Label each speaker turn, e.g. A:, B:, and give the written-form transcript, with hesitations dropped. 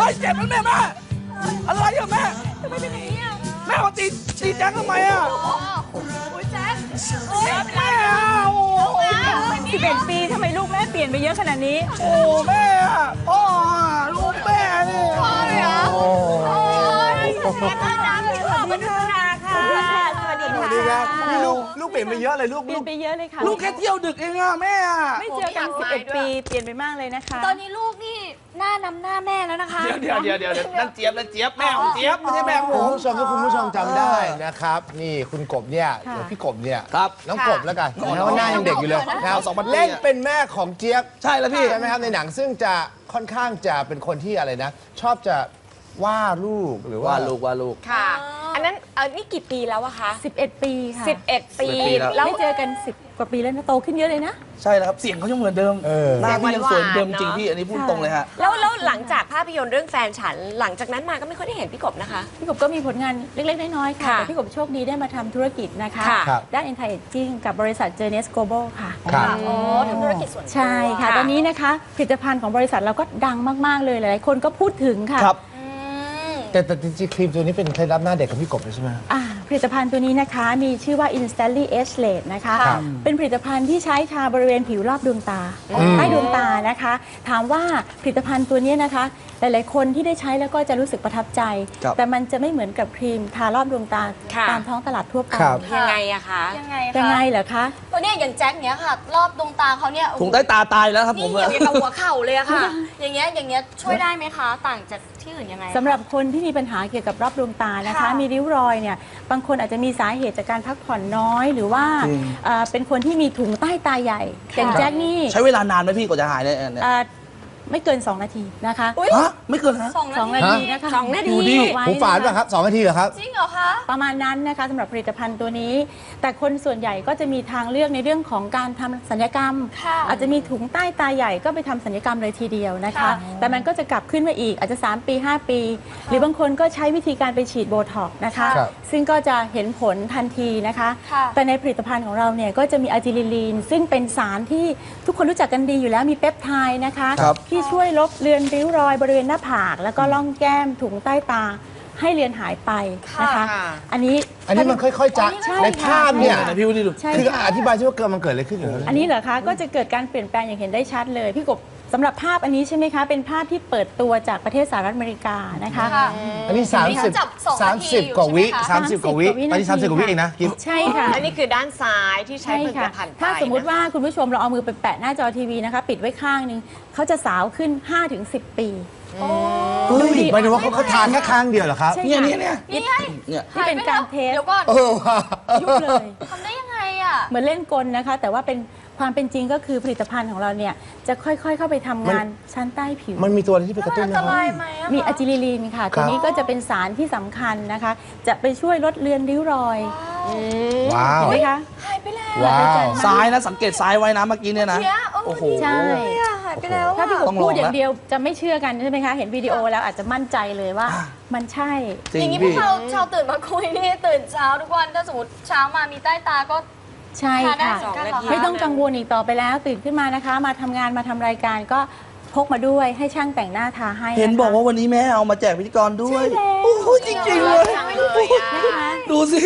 A: ยเจ็บแล้วแม่อะไรอะแม่
B: ทำไมเป็นอย่างนี้อ่ะ
A: แม่มาตีแจ็คทำไมอะ
B: โอ้ยแจ๊ค
A: แม่อะโอ้โห
B: 11 ปีทำไมลูกแม่เปลี่ยนไปเยอะขนาดนี้
A: โอ้แม่อะพ่ออะลูกแม่นี่
B: พ่อเหรอ
A: โอ้
B: โอ้ยแม่น่ารักเลยขอบคุณค่ะสวัสดีค่ะ
C: สวัสดีครับนี่ลูกเปลี่ยนไปเยอะเลยลูก
B: เปลี่ยนไปเยอะเลยค่ะ
A: ลูกแค่เที่ยวดึกเองอะแม่อะ
B: ไม่เจอกัน 11 ปีเปลี่ยนไปมากเลยนะคะ
D: ตอนนี้ลูกนี่หน้านำหน้าแม่แล้วนะคะ
A: เดี๋ยวนั่นเจี๊ยบแม่ของเจี๊ยบไม่ใช่แม่ของผ
C: คุณ
A: ม
C: ผู้ชมถ้าคุณผู้ชมจำได้นะครับ นี่คุณกบเนี่ยหรือพี่กบเนี่ย
A: ครับ
C: น้องกบแล้วกันนะว่าหน้ายังเด็กอยู่เลยนะครับ
A: เอา2,000
C: เล่นเป็นแม่ของเจี๊ยบ
A: ใช่แล้วพี่
C: ใช่ไหมครับในหนังซึ่งจะค่อนข้างจะเป็นคนที่อะไรนะ ชอบจะว่าลูกหรือว่า
A: ว่าลูก
E: ค่ะ อันนั้นนี่กี่ปีแล้วอะคะ
B: 11 ปีค่ะ
E: 11 ปี
A: 11ปีแล้ว
E: แล้ว
B: ไม่เจอกัน 10 กว่าปีแล้วนะโตขึ้นเยอะเลยนะ
A: ใช่แล้วครับเสียงเขายังเหมือนเดิม
C: เออ
A: หน้าพี่ยังสวยเหมือนเดิม
E: เสี
A: จริ
E: ย
A: ง
E: งหวานๆ
A: พี่อันนี้พูดตรงเลยฮะ
E: แล้วหลังจากภาพยนตร์เรื่องแฟนฉัน หลังจากนั้นมาก็ไม่ค่อยได้เห็นพี่กบนะคะ
B: พี่กบก็มีผลงานเล็ก ๆ น้อย ๆ ค่ะ
E: ค่ะ
B: แต่พี่กบโชคดีได้มาทำธุรกิจนะคะ
E: ค่ะ
C: ครับ
B: ด้าน anti aging กับบริษัท Journeys Global ค่ะ
C: ครับ
D: อ๋อทำธุรกิจส่วนตัว
B: ใช่ค่ะ ตอนนี้นะคะผลิตภัณฑ์ของบริษัทเราก็ดังมาก ๆ เลย หลาย ๆ คนก็พูดถึงค่ะ
A: ครับ
C: แต่จริงๆครีมตัวนี้เป็นเคล็ดลับหน้าเด็กของพี่กบเลยใช่ไหม
B: ผลิตภัณฑ์ตัวนี้นะคะมีชื่อว่า Instantly Age Late นะคะ
C: ครับ
B: เป็นผลิตภัณฑ์ที่ใช้ทาบริเวณผิวรอบดวงตาใต้ดวงตานะคะ ถามว่าผลิตภัณฑ์ตัวนี้นะคะ หลาย ๆ คนที่ได้ใช้แล้วก็จะรู้สึกประทับใจ
A: ครับ
B: แต่มันจะไม่เหมือนกับครีมทารอบดวงตา
E: ค่ะ
B: ตามท้องตลาดทั่วไป
C: ครับ
E: ยังไงอะคะ
D: ยังไง
B: ยัง
D: คะ
B: ไงเหรอคะ
D: ตัวเนี้ยอย่างแจ็คเนี้ยค่ะ รอบดวงตาเขาเนี่ยโอ้โห
A: ถุงใต้ตาตายแล้วครับผ
D: นี่
A: ม
D: เหี่ยวอย่างกับหัวเข่าเลยอะค่ะ อย่างเงี้ยช่วยได้ไหมคะ ต่างจากที่อื่นยังไง
B: สำหรับคนที่มีปัญหาเกี่ยวกับรอบดวงตานะคะ
D: ค่ะ
B: มีริ้วรอยเนี่ยบางคนอาจจะมีสาเหตุจากการพักผ่อนน้อย หรือว่าเป็นคนที่มีถุงใต้ตาใหญ่อย่างแจ็คนี่
A: ใช้เวลานานไหมพี่กว่าจะหายเนี่ย
B: ไม่เกิน 2 นาทีนะคะ
A: ฮะไม่เกินฮะ
B: 2 นาทีนะคะ
E: 2 นาที
A: ดูดิ
B: ไว้
C: หูฝาด
B: นะ
C: ป่ะครับ2 นาทีเหรอครับ
D: จริงเหรอคะ
B: ประมาณนั้นนะคะสำหรับผลิตภัณฑ์ตัวนี้ แต่คนส่วนใหญ่ก็จะมีทางเลือกในเรื่องของการทำศัลยกรรม
D: ค่ะ
B: อาจจะมีถุงใต้ตาใหญ่ก็ไปทำศัลยกรรมเลยทีเดียวนะคะ
D: ค่ะ
B: แต่มันก็จะกลับขึ้นมาอีกอาจจะ 3 ปี 5 ปี หรือบางคนก็ใช้วิธีการไปฉีดโบท็อกซ์นะคะ
C: ครับ
B: ซึ่งก็จะเห็นผลทันทีนะคะ
D: ค่ะ
B: แต่ในผลิตภัณฑ์ของเราเนี่ยก็จะมีอะจิลิลีนซึ่งเป็นสารที่ทุกคนรู้จักกันดีอยู่แล้วมีเปปไทด์นะคะ
A: ครับ
B: ที่ช่วยลบเลือนริ้วรอยบริเวณหน้าผาก แล้วก็ล่องแก้มถุงใต้ตาให้เลือนหายไปนะคะ
E: ค่ะ
B: อันนี้
C: อันนี้มันค่อยๆจะ
B: ใช่
C: ในภาพเนี่ย
A: ไหนพี่ดู
B: ใช่
C: คือ
B: ค่ะ
C: อธิบายใช่ว่ามันเกิดอะไรขึ้นอยู่แล้ว
B: อันนี้เหรอคะก็จะเกิดการเปลี่ยนแปลงอย่างเห็นได้ชัดเลยพี่กบสำหรับภาพอันนี้ใช่ไหมคะเป็นภาพที่เปิดตัวจากประเทศสหรัฐอเมริกานะคะ
D: ค่ะ
C: อันนี้
D: จับ2 นาทีอยู่
C: 30 กว่าวิ
D: ใช่ไหมคะ
C: 30 กว่าวิ
B: 30
C: อันนี้ 30 กว่าวิเองนะกิ๊บ
B: ใช่ค่ะ
E: และนี่คือด้านซ้ายที่ใช้
B: ใช่
E: ผลิต
B: ค่ะ
E: ภัณฑ์ไป
B: ถ้าสมมุติว่า
E: นะคะ
B: คุณผู้ชมเราเอามือไปแปะหน้าจอทีวีนะคะ ปิดไว้ข้างหนึงเขาจะสาวขึ้น 5-10 ปี
C: เฮ้ยหมายถึงว่าเขาทานแค่ครั้งเดียวเหรอครับ
B: ใช่
A: เนี่ย
B: ค่ะ
A: เนี่ย
D: นี่ไง
A: เนี่ย
B: ที่เป็นการเทส
D: เดี๋ยวก่อน
C: เออว่ะ
B: ยุบเลย
D: ทำได้ยังไงอ่ะ
B: เหมือนเล่นกลนะคะ แต่ว่าเป็นความเป็นจริงก็คือผลิตภัณฑ์ของเราเนี่ยจะค่อยๆ เข้าไปทำงานชั้นใต้ผิว
C: มันมีตัวอะไรที่ไปกระตุ้น
D: อัน
C: นะ
D: ต
C: ค
D: รา
C: รับ
D: ยไหมอะคะ
B: มีอะจิลิลีนค่ะ ตัวนี้ก็จะเป็นสารที่สำคัญนะคะ จะไปช่วยลดเลือนริ้วรอย
C: ว้าว
B: เห็นไหมคะ
D: หายไปแล้ว
C: ว้าว
A: ซ้ายนะสังเกตซ้ายไว้นะเมื่อกี้เนี่ยนะ
D: เนี่ย
A: โอ้โห
B: ใช่
D: เนี่ยหายไปแล้ว
B: ถ้าพี่ก
D: อะ
B: บ
A: ต้องลอง
B: พูดอย่าง
A: แล้ว
B: เดียวจะไม่เชื่อกันใช่ไหมคะ เห็นวิดีโอแล้วอาจจะมั่นใจเลยว่ามันใช่
A: จริ
D: อย่าง งนี้พว
A: พี่
D: กเราชาวตื่นมาคุยนี่ตื่นเช้าทุกวันถ้าสมมติเช้ามามีใต้ตาก็
B: ใช่
D: ทานได้
B: ค่ะ
D: เหมือนกันเหรอคะ
B: ไม่ต้องกังวลอีกต่อไปแล้วตื่นขึ้นมานะคะ มาทำงานมาทำรายการก็พกมาด้วยให้ช่างแต่งหน้าทาให้
A: เห็น
B: นะคะ
A: บอกว่าวันนี้แม่เอามาแจกพิธีกรด้วย
B: ใช่แล้ว
A: โอ้โหจริงๆเลย
B: นะคะ
A: ดูสิ